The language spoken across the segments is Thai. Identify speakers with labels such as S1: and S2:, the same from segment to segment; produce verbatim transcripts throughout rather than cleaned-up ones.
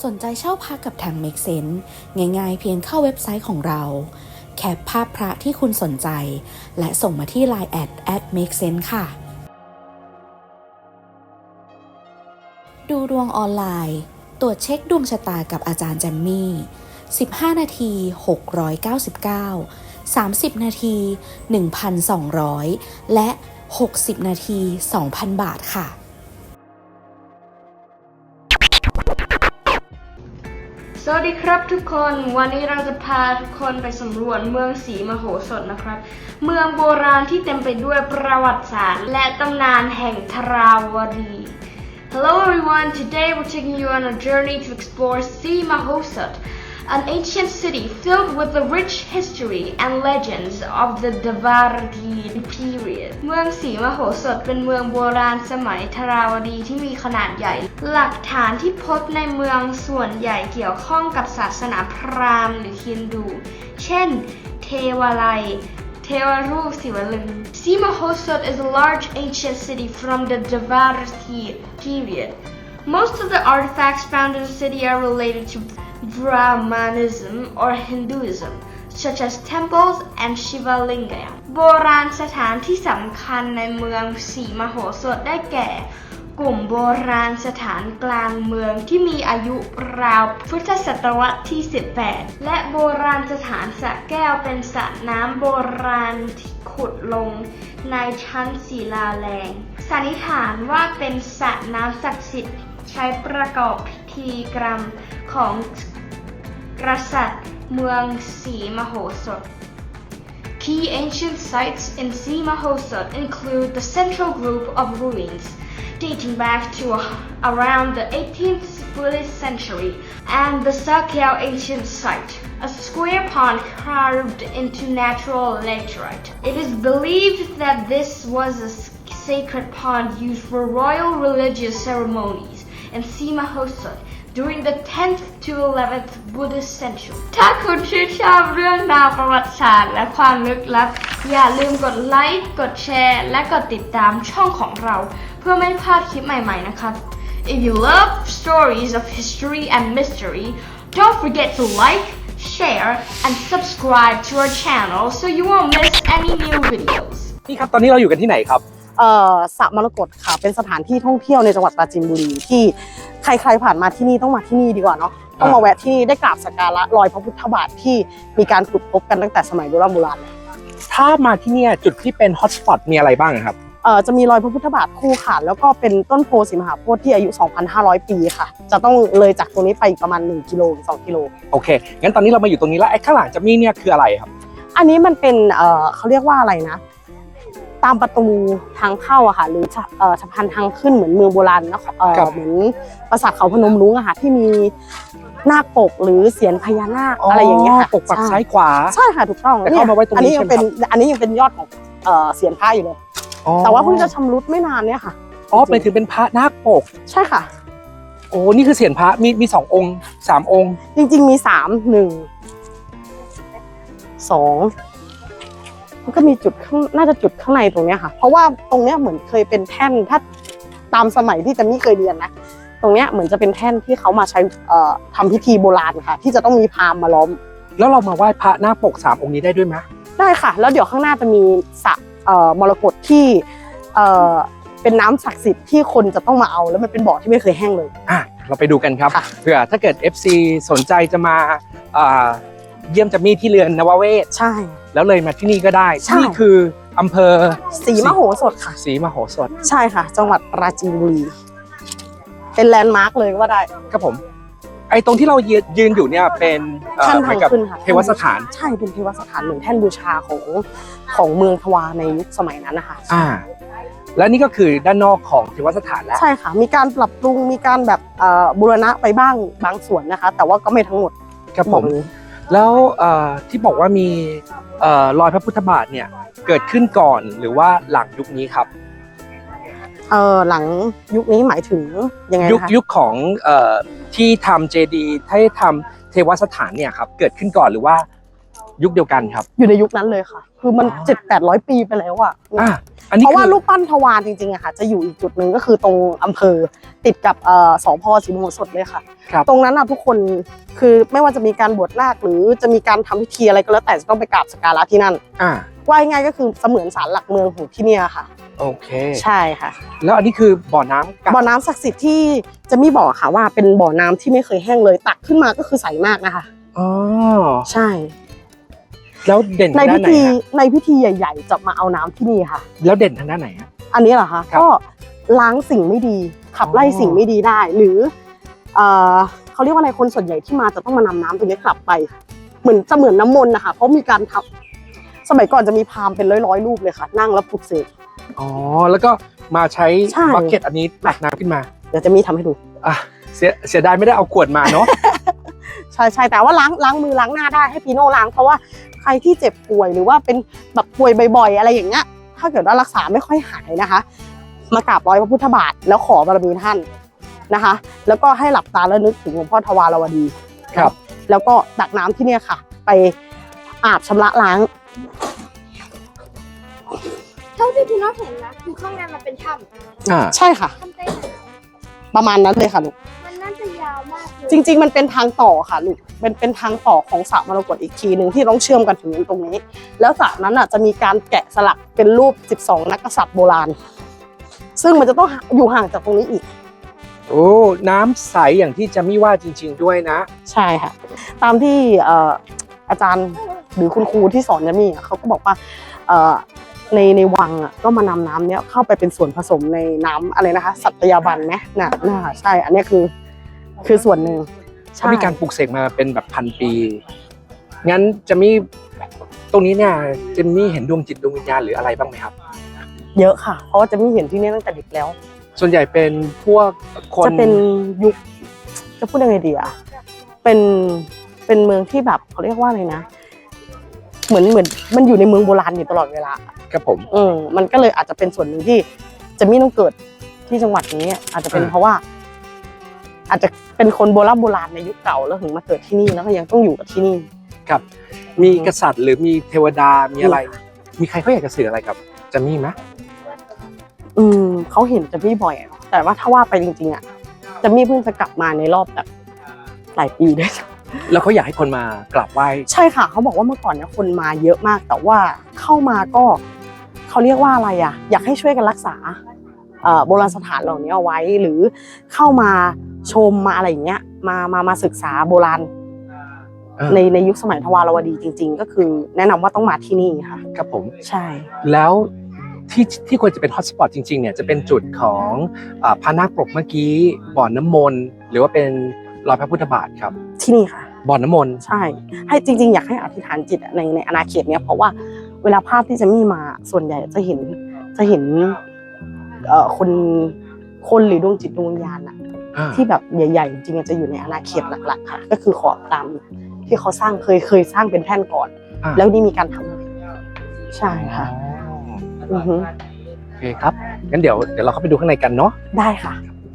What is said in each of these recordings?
S1: สนใจเช่าพักกับทาง Make Sense ง่ายๆเพียงเข้าเว็บไซต์ของเราแคปภาพพระที่คุณสนใจและส่งมาที่ ไลน์ แอท แอท เมคเซนส์ ค่ะดูดวงออนไลน์ตรวจเช็คดวงชะตากับอาจารย์แจมมี่สิบห้านาทีหกร้อยเก้าสิบเก้า สามสิบนาที หนึ่งพันสองร้อย และหกสิบนาที สองพัน บาทค่ะ
S2: สวัสดีครับทุกคนวันนี้เราจะพาทุกคนไปสำรวจเมืองศรีมโหสถนะครับเมืองโบราณที่เต็มไปด้วยประวัติศาสตร์และตำนานแห่งทราวดี Hello everyone, today we're taking you on a journey to explore Sri Mahosat, an ancient city filled with the rich history and legends of the Dvaraki period. เมืองศรีมโหสถเป็นเมืองโบราณสมัยทราวดีที่มีขนาดใหญ่ หลักฐานที่พบในเมืองส่วนใหญ่เกี่ยวข้องกับศาสนาพราหมณ์หรือฮินดู เช่น เทวาลัย เทวรูปศิวลึง Sri Mahosat is a large ancient city from the Dvaraki period. Most of the artifacts found in the city are related to Brahmanism or Hinduism, such as temples and Shiva Linga. โบราณสถานที่สำคัญในเมืองศรีมโหสถได้แก่กลุ่มโบราณสถานกลางเมืองที่มีอายุราวพุทธศตวรรษที่สิบแปดและโบราณสถานสระแก้วเป็นสระน้ำโบราณที่ขุดลงในชั้นศิลาแรงสันนิษฐานว่าเป็นสระน้ำศักดิ์สิทธิ์ใช้ประกอบพิธีกรรมของกษัตริย์เมืองศรีมโหสถ Key ancient sites in Sri Mahosat include the central group of ruins dating back to around the eighteenth Buddhist century and the Sakyao ancient site, a square pond carved into natural laterite. It is believed that this was a sacred pond used for royal religious ceremonies in Sri Mahosat during the tenth to eleventh Buddhist century. ถ้าคุณชื่นชอบเรื่องราวประวัติศาสตร์และความลึกลับอย่าลืมกดไลค์กดแชร์และกดติดตามช่องของเราเพื่อไม่พลาดคลิปใหม่ๆนะครับ If you love stories of history and mystery, don't forget to like, share, and subscribe to our channel so you won't miss any new videos.
S3: นี่ครับตอนนี้เราอยู่กันที่ไหนครับ
S4: เอ่อสระมรกตค่ะเป็นสถานที่ท่องเที่ยวในจังหวัดปราจีนบุรีที่ใครๆผ่านมาที่นี่ต้องมาที่นี่ดีกว่าเนาะต้องมาแวะที่นี่ได้กราบสักการะรอยพระพุทธบาทที่มีการขุดพบกันตั้งแต่สมัยโบราณโบราณ
S3: ถ้ามาที่นี่จุดที่เป็นฮอตสปอตมีอะไรบ้างครับ
S4: เอ่อจะมีรอยพระพุทธบาทคู่ค่ะแล้วก็เป็นต้นโพธิ์ศรีมหาโพธิ์ที่อายุ สองพันห้าร้อย ปีค่ะจะต้องเลยจากตรงนี้ไปประมาณหนึ่งกิโลถึงสองกิโล
S3: โอเคงั้นตอนนี้เรามาอยู่ตรงนี้แล้วไอ้ข้างหลังจะมีเนี่ยคืออะไรครับ
S4: อันนี้มันเป็นเอ่อเขาเรียกว่าอะไรนะตามประตูทางเข้าอะค่ะหรือเอ่อสะพานทางขึ้นเหมือนเมืองโบราณนะเอ่อเหมือนปราสาทเขาพนมรุ้งอะค่ะที่มีนาคปกหรือเสียญพญานาคอะไรอย่างเงี้ยค่ะ
S3: ปกปักซ้ายขวา
S4: ใช่ค่ะถูกต้อง
S3: แต่เข้ามาไว้ตรงนี้ใช่ไหมครับ
S4: อันนี้ยังเป็นยอดของเอ่อเสียญพระอยู่เลยแต่ว่าเพิ่งจะชำรุดไม่นานเนี่ยค่ะ
S3: อ๋อไปถึงเป็นพระนาคปก
S4: ใช่ค่ะ
S3: โอ้นี่คือเสียญพระมีมีสององค์สามองค์
S4: จริงๆมีสามหนึ่งสองมันก็มีจุดข้างน่าจะจุดข้างในตรงเนี้ยค่ะเพราะว่าตรงเนี้ยเหมือนเคยเป็นแท่นถ้าตามสมัยที่จะไม่เคยเรียนนะตรงเนี้ยเหมือนจะเป็นแท่นที่เขามาใช้เอ่อทำพิธีโบราณค่ะที่จะต้องมีพราหมณ์มาล้อม
S3: แล้วเรามาไหว้พระนาคปกสามองค์นี้ได้ด้วยไหม
S4: ได้ค่ะแล้วเดี๋ยวข้างหน้าจะมีสระเอ่อมรกตที่เอ่อเป็นน้ำศักดิ์สิทธิ์ที่คนจะต้องมาเอาแล้วมันเป็นบ่อที่ไม่เคยแห้งเลย
S3: อ่ะเราไปดูกันครับเผื่อถ้าเกิด เอฟ ซี สนใจจะมาอ่าเยี่ยมจัมมี่ที่เรือนนวเวศ
S4: ใช่
S3: แล้วเลยมาที่นี่ก็ได้นี่คืออำเภอ
S4: ศรีมโหสถค่ะ
S3: ศรีมโหสถ
S4: ใช่ค่ะจังหวัดปราจีนบุรีเป็นแลนด์มาร์คเลยว่าได้
S3: ครับผมไอ้ตรงที่เรายืนอยู่เนี่ยเป็น
S4: แท่นทางขึ้นค่ะ
S3: เทวสถาน
S4: ใช่เป็นเทวสถานเหมือนแท่นบูชาของของเมืองทวารในยุคสมัยนั้นนะคะ
S3: อ่าและนี่ก็คือด้านนอกของเทวสถานแล้ว
S4: ใช่ค่ะมีการปรับปรุงมีการแบบบูรณะไปบ้างบางส่วนนะคะแต่ว่าก็ไม่ทั้งหมด
S3: ครับผมแล้วที่บอกว่ามีรอยพระพุทธบาทเนี่ยเกิดขึ้นก่อนหรือว่าหลังยุคนี้ครับ
S4: เออหลังยุคนี้หมายถึงยังไง
S3: ยุคยุคของที่ทำเจดีย์ให้ทำเทวสถานเนี่ยครับเกิดขึ้นก่อนหรือว่ายุคเดียวกันครับ
S4: อยู่ในยุคนั้นเลยค่ะ คือมันเจ็ดแปดร้อยปีไปแล้วอ่ะ
S3: อ่ะอันนี้
S4: เพราะว่า
S3: คือ
S4: รูปปั้นทวารจริงๆอะค่ะจะอยู่อีกจุดหนึ่งก็คือตรงอำเภอติดกับเอ่อสพศรีมโหสถเลยค่ะ
S3: ครับ
S4: ตรงนั้นอะทุกคนคือไม่ว่าจะมีการบวชนาคหรือจะมีการทำพิธีอะไรก็แล้วแต่จะต้องไปกราบสักการะที่นั่น
S3: อ่า
S4: ว่าง่ายๆก็คือเสมือนศาลหลักเมืองของที่เนี่ยค่ะ
S3: โอเค
S4: ใช่ค่ะ
S3: แล้วอันนี้คือบ่อน้ำกับ
S4: บ่อน้ำศักดิ์สิทธิ์ที่จะมีบอกค่ะว่าเป็นบ่อน้ำที่ไม่เคยแห้งเลยตักขึ้นมาก็คือใสมากนะคะ
S3: อ๋อ
S4: ใช่
S3: แล้วเด่น
S4: ใน
S3: ทางด้า
S4: พิ
S3: นไหน
S4: ธี
S3: ฮะ
S4: ในพิธีใหญ่ๆจะมาเอาน้ำที่นี่ค่ะ
S3: แล้วเด่นทางด้านไหนฮะ
S4: อันนี้เหรอคะ
S3: ครับ
S4: ก็ล้างสิ่งไม่ดีขับไล่
S3: อ๋อ
S4: สิ่งไม่ดีได้ หรือเอ่อเขาเรียกว่าอะไรคนส่วนใหญ่ที่มาจะต้องมานำน้ำตรงนี้กลับไป เหมือนจะเหมือนน้ำมนต์นะคะเพราะมีการทำสมัยก่อนจะมีพราหมณ์เป็นร้อยๆรูปเลยค่ะ นั่งแล้วปลุกเสก
S3: อ๋อ แล้วก็มาใช้
S4: ใช่
S3: บักเก็ตอันนี้ตักน้ำขึ้นมา
S4: เดี๋ยวจะมีทำให้ดู
S3: อ่ะเสียเสียดายไม่ได้เอาขวดมาเนาะ
S4: ใช่ใช่แต่ว่าล้างล้างมือล้างหน้าได้ให้ปีโน่ล้างเพราะว่าใครที่เจ็บป่วยหรือว่าเป็นแบบป่วยบ่อยๆ อะไรอย่างเงี้ยถ้าเกิดว่ารักษาไม่ค่อยหายนะคะ มากราบร้อยพระพุทธบาทแล้วขอบารมีท่านนะคะ แล้วก็ให้หลับตาแล้วนึกถึงหลวงพ่อทวารวดี
S3: ครับ
S4: แล้วก็ตักน้ำที่เนี่ยค่ะ ไปอาบชำระล้าง
S2: เท่าที่พี่น้องเห็นนะคือข้างในมันเป็นถ้
S3: อ่า
S4: ใช่ค่ะ
S2: ำถ้ำใต้น้
S4: ประมาณนั้นเลยค่ะลูก
S2: ำมันน่าจะยาวมากเลย
S4: จริง ๆ มันเป็นทางต่อค่ะลูกเป็นเป็นทางต่อของสระมรกตอีกทีหนึ่งที่ต้องเชื่อมกันถึงตรงนี้ แล้วสระนั้นอ่ะจะมีการแกะสลักเป็นรูปสิบสองนักกษัตริย์โบราณ ซึ่งมันจะต้องอยู่ห่างจากตรงนี้อีก
S3: โอ้ น้ำใสอย่างที่จะไม่ว่าจริง ๆ ด้วยนะ
S4: ใช่ค่ะ ตามที่เอ่ออาจารย์หรือคุณครูที่สอนยามี่อะเขาก็บอกว่าเอ่อในในวังอ่ะก็มานำน้ำเนี้ยเข้าไปเป็นส่วนผสมในน้ำอะไรนะคะ สัตยาบันไหมน่ะน่าใช่ อันเนี้ยคือคือส่วนหนึ่ง
S3: เขามีการปลูกเสกมาเป็นแบบพันปี งั้นจะมีตรงนี้เนี่ยเจมมี่เห็นดวงจิตดวงวิญญาณหรืออะไรบ้างไหมครับ
S4: เยอะค่ะ เพราะว่าจะไม่เห็นที่นี่ตั้งแต่เด็กแล้ว
S3: ส่วนใหญ่เป็นพวกคน
S4: จะเป็นยุคจะพูดยังไงดีอะเป็นเป็นเมืองที่แบบเขาเรียกว่าอะไรนะ เหมือนเหมือนมันอยู่ในเมืองโบราณอยู่ตลอดเวลา
S3: ครับผม
S4: เออมันก็เลยอาจจะเป็นส่วนหนึ่งที่จะไม่ต้องเกิดที่จังหวัดนี้ อาจจะเป็นเพราะว่า อาจจะเป็นคนโบราณโบราณในยุคเก่าแล้วถึงมาเกิดที่นี่แล้วก็ยังต้องอยู่กับที่นี่
S3: ครับ มีกษัตริย์หรือมีเทวดา มีอะไร มีใครเขาอยากจะสื่ออะไรกับเจมมี่ไหม
S4: อืมเขาเห็นจะมี่บ่อยอะแต่ว่าถ้าว่าไปจริงๆอะจะมี่เพิ่งจะกลับมาในรอบแบบหลายปีด้วย
S3: แล้วเขาอยากให้คนมากราบไหว้
S4: ใช่ค่ะเขาบอกว่าเมื่อก่อนเนี่ยคนมาเยอะมาก แต่ว่าเข้ามาก็เขาเรียกว่าอะไรอ่ะอยากให้ช่วยกันรักษาเอ่อโบราณสถานเหล่านี้เอาไว้หรือเข้ามาชมมาอะไรอย่างเงี้ยมามามาศึกษาโบราณ
S3: เออ
S4: ในในยุคสมัยทวารวดีจริง ๆ ก็คือแนะนำว่าต้องมาที่นี่ค่ะ
S3: ครับผม
S4: ใช่
S3: แล้วที่ที่ควรจะเป็นฮอตสปอตจริงๆเนี่ยจะเป็นจุดของอ่าพระนาคปรกเมื่อกี้บ่อน้ำมนต์หรือว่าเป็นรอยพระพุทธบาทครับ
S4: ที่นี่ค่ะ
S3: บ่อน้ำมนต์
S4: ใช่ ให้จริง ๆ อยากให้อธิษฐานจิตในในอาณาเขตเนี้ยเพราะว่าเวลาภาพที่จะมีมาส่วนใหญ่จะเห็นจะเห็นเอ่อคนคนหรือดวงจิตดวงวิญญาณอะ
S3: อ่า
S4: ที่แบบใหญ่ๆจริงๆจะอยู่ในอาณาเขตหลักๆค่ะ ก็คือขอบตามที่เขาสร้างเคยเคยสร้างเป็นแท่นก่อน
S3: อ่า
S4: แล้วนี่มีการทำใช่ค่ะ
S3: อ๋อ
S4: อือฮึ
S3: โอเคครับงั้นเดี๋ยวเดี๋ยวเราเข้าไปดูข้างในกันเนาะ
S4: ได้ค่ะ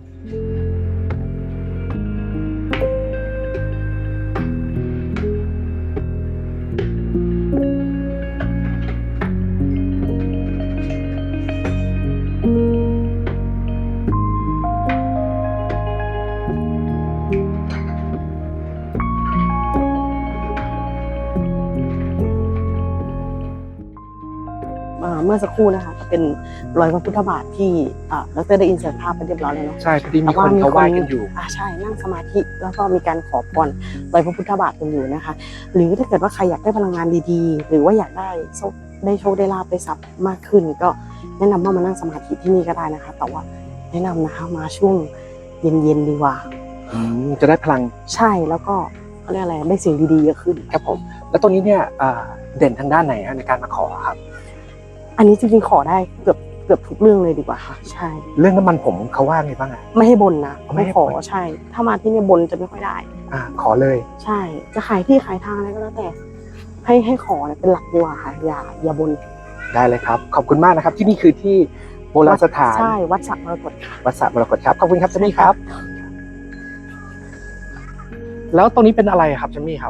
S4: เอ่อเมื่อสักครู่นะคะจะเป็นรอยพระพุทธบาทที่อ่าดรได้อินเสิร์ตภาพไปเรียบร้อยแล้วเนาะ
S3: ใช่พอดีมีคนเขาไหว้กันอยู่
S4: อ่าใช่นั่งสมาธิแล้วก็มีการขอพรรอยพระพุทธบาทกันอยู่นะคะ หรือถ้าเกิดว่าใครอยากได้พลังงานดีๆ หรือว่าอยากได้โชคได้โชคได้ลาภได้ทรัพย์มากขึ้น ก็แนะนำว่ามานั่งสมาธิที่นี่ก็ได้นะคะ แต่ว่าแนะนำนะคะมาช่วงเย็นๆดีกว่า
S3: อืมจะได้พลัง
S4: ใช่แล้วก็เขาเรียกอะไรได้สิ่งดีๆเยอะขึ้น
S3: ครับผม แล้วตรงนี้เนี่ยอ่าเด่นทางด้านไหนฮะในการมาขอครับ
S4: อันนี้จริงๆขอได้เกือบเกือบทุกเรื่องเลยดีกว่าค่ะ ใช่
S3: เรื่องน้ำมันผมเขาว่าไงบ้างอ่ะ
S4: ไม่ให้บนนะ
S3: ไม่
S4: ไม่
S3: ให้
S4: ขอ
S3: บ่น
S4: ใช่ ถ้ามาที่เนี่ยบนจะไม่ค่อยได้
S3: อ่าขอเลย
S4: ใช่ จะขายที่ขายทางอะไรก็แล้วแต่ ให้ให้ขอเนี่ยเป็นหลักดีกว่าค่ะอย่าอย่าบน
S3: ได้เลยครับ ขอบคุณมากนะครับ ที่นี่คือที่โบราณสถาน
S4: ใช่วัดสระมรกตค่ะ
S3: วัดสระมรกตครับขอบคุณครับเจมี่ครับ แล้วตรงนี้เป็นอะไรครับเจมี่ครับ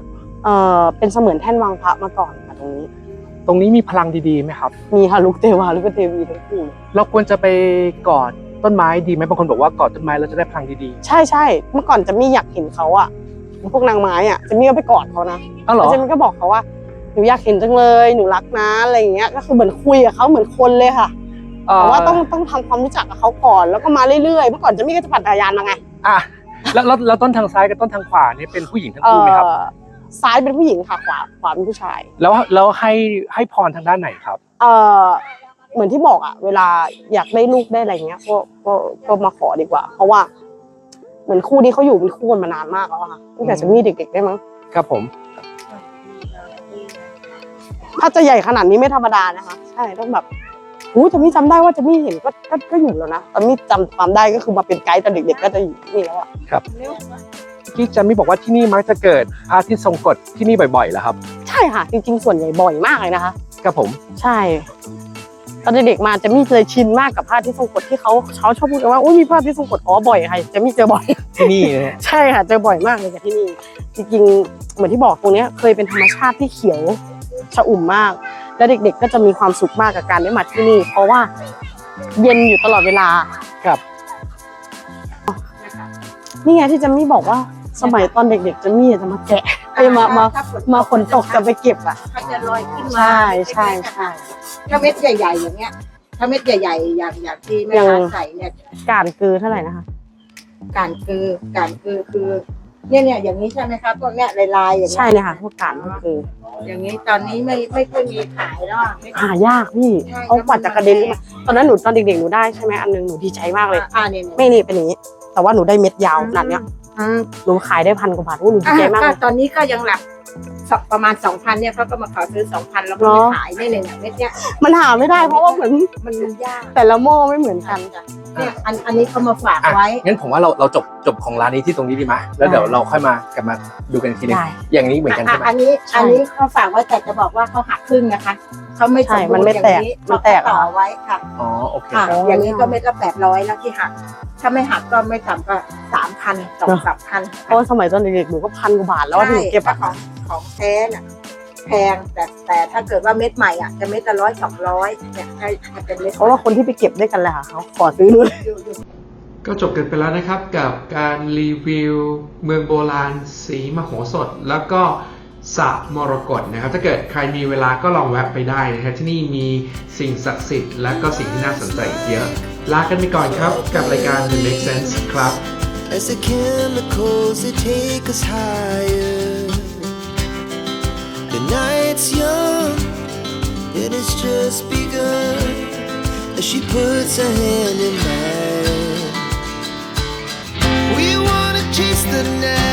S4: เออเป็นเสมือนแท่นวางพระมาก่อนค่ะตรงนี้
S3: ตรงนี้มีพลังดีๆไหมครับ
S4: มีค่ะลูกเทวาลูกเทวีทั้งคู่เลย
S3: เราควรจะไปกอดต้นไม้ดีไหมบางคนบอกว่ากอดต้นไม้เราจะได้พลังดี
S4: ใช่ใช่เมื่อก่อนจะมี่อยากเห็นเขาอะพวกนางไม้อะจะมี่ก็ไปกอดเขานะ
S3: ๆอ้าวเหรอ
S4: แล้วจะมี่ก็บอกเขาว่าหนูอยากเห็นจังเลยหนูรักนะอะไรอย่างเงี้ยก็คือเหมือนคุยกับเขาเหมือนคนเลยค่ะ
S3: เอ่อ
S4: แต่ว่าต้องต้องทำความรู้จักกับเขาก่อนแล้วก็มาเรื่อยๆเมื่อก่อนจะมี่ก็จะปั่นจักรยานมาไง
S3: อ่ะแล้วแล้วแล้วต้นทางซ้ายกับต้นทางขวานี่เป็นผู้หญิงทั้ง
S4: เอ
S3: คู่ไหมครับ
S4: อซ้ายเป็นผู้หญิงค่ะขวาขวาเป็นผู้ชาย
S3: แล้วแล้วให้ให้พรทางด้านไหนครับ
S4: เออเหมือนที่บอกอะเวลาอยากได้ลูกได้อะไรเงี้ยก็ก็ก็มาขอดีกว่า เพราะว่า เหมือนคู่นี้เขาอยู่เป็นคู่กันมานานมากแล้วอะค่ะตั้งแต่จะมีเด็กๆได้มั้ง
S3: ครับผม
S4: ถ้าจะใหญ่ขนาดนี้ไม่ธรรมดานะคะใช่ต้องแบบหูจะมีจำได้ว่าจะมีเห็นก็ก็ก็อยู่แล้วนะแต่มีจำความได้ก็คือมาเป็นไกด์ตอนเด็กๆก็จะอยู่นี่แล้วอะ
S3: ครับพี่จันมี่บอกว่าที่นี่มักจะเกิดพระอาทิตย์ทรงกฎที่นี่บ่อยๆแล้วครับ
S4: ใช่ค่ะจริงๆส่วนใหญ่บ่อยมากเลยนะคะ
S3: ครับผม
S4: ใช่ตอนเด็กๆมาจะมีเคยชินมากกับผ้าที่ทรงกฎที่เขาเขาชอบพูดกันว่าอุ้ยมีผ้าที่ทรงกฎอ๋อบ่อยค่ะจะมีเจอบ่อย
S3: ที่นี่นะฮะ
S4: ใช่ค่ะเจอบ่อยมากเลยจากที่นี่จริงๆเหมือนที่บอกตรงเนี้ยเคยเป็นธรรมชาติที่เขียวชอุ่มมาก และเด็กๆก็จะมีความสุขมากกับการได้มาที่นี่ เพราะว่าเย็นอยู่ตลอดเวลา
S3: ครับ
S4: นี่ไงที่จะมี่บอกว่าสมัยตอนเด็กๆจะมี่จะมาแกะไปมามามาฝนตกจะไปเก็บอ่ะ
S5: เขาจะลอยขึ้นมา
S4: ใช่ใช่ใช่
S5: ถ้าเม็ดใหญ่ๆอย่างเงี้ย ถ้าเม็ดใหญ่ๆอย่างอย่างที่แม่ค้าใส่เนี่ย
S4: การคือเท่าไหร่นะคะ
S5: การคือการคือคือเนี่ยเนี่ยอย่างนี้ใช่ไหมคะพวกเนี้ยลายๆอย่าง
S4: ใช่
S5: เงี้ย
S4: เลยค่ะพวกการก็คือ
S5: อย่างนี้ตอนนี้ไม่ไม่ค่อยมีขายแล้วอะไม่
S4: หายากพี่เขากว่าจะกระเด็นขึ้นมาตอนนั้นหนูตอนเด็กๆหนูได้ใช่ไหมอันนึงหนูดีใจมากเลย
S5: อ่าเนี่ย
S4: ไม่นี่เป็นอย่างนี้ แต่ว่าหนูได้เม็ดยาวขนาดเนี้ย
S5: อืม
S4: หนูขายได้พันกว่าบาทโอ้หนูดี
S5: อ่า
S4: ใจมาก
S5: ก็
S4: เลย
S5: ตอนนี้ก็ยังหลักสักประมาณสองพันเนี่ยเขาก็มาขอซื้อสองพันแล้วก็
S4: เหรอ
S5: ไม่ขายเนี่ยเนี่ยเม็ดเนี้ย
S4: มันหาไม่ได้เพราะว่าเหมือน
S5: มันมันยาก
S4: แต่ละหม้อไม่เหมือนกัน
S5: เนี่ยอันอันนี้เขามาฝาก
S3: อ่ะ
S5: ไว้
S3: งั้นผมว่าเราเราจบจบของร้านนี้ที่ตรงนี้ดีไหมแล้วเดี๋ยวเราค่อยมากลับมาดูกันอีกทีนึง
S4: ได้
S3: อย่างนี้เหมือนกันใช่ไหม
S5: อันนี้
S4: ใช่
S5: อันนี้เขาฝากไว้แต่จะบอกว่าเขาหักครึ่งนะคะเขาไม่ส
S4: ใช่
S5: มบู
S4: มัน
S5: รณ์
S4: ไม่
S5: อย่าง
S4: แตก
S5: นี้
S4: มันแตก
S5: เขาต่อ
S4: เหรอ
S5: ไว้ค่ะ
S3: อ๋อโอเค
S5: ค่ะ
S4: อ๋อ
S5: อย่างนี้ก็เม็ดละแปดร้อยแล้วที่หัก ถ้าไม่หักก็ไม่ต่ำก็สามพันสองสามพัน
S4: เพราะว่าสมัยตอนเด็กๆหนูก็พันกว่าบาทแล้วว่าที่หนูเก็บ
S5: ถ้า
S4: อะ
S5: ของของแท้น่ะแพงแต่แต่ถ้าเกิดว่าเม็ดใหม่อ่ะจะเม็ดละร้อยสองร้อยเนี่ยให้ให้เป็นเม็ด
S4: เพราะว่าคนที่ไปเก็บด้วยกันแหละค่ะเขาขอซื้อนู่น
S6: ก็จบกันไปแล้วนะครับกับการรีวิวเมืองโบราณสีมโหสถ แล้วก็สระมรกตนะครับถ้าเกิดใครมีเวลาก็ลองแวะไปได้นะครับที่นี่มีสิ่งศักดิ์สิทธิ์และก็สิ่งที่น่าสนใจอีกเยอะลากันไปก่อนครับกับรายการ The Make Sense ครับ
S7: As the chemicals they take us higher. The night's young, it has just begun. As she puts her hand in mine, we wanna chase the night.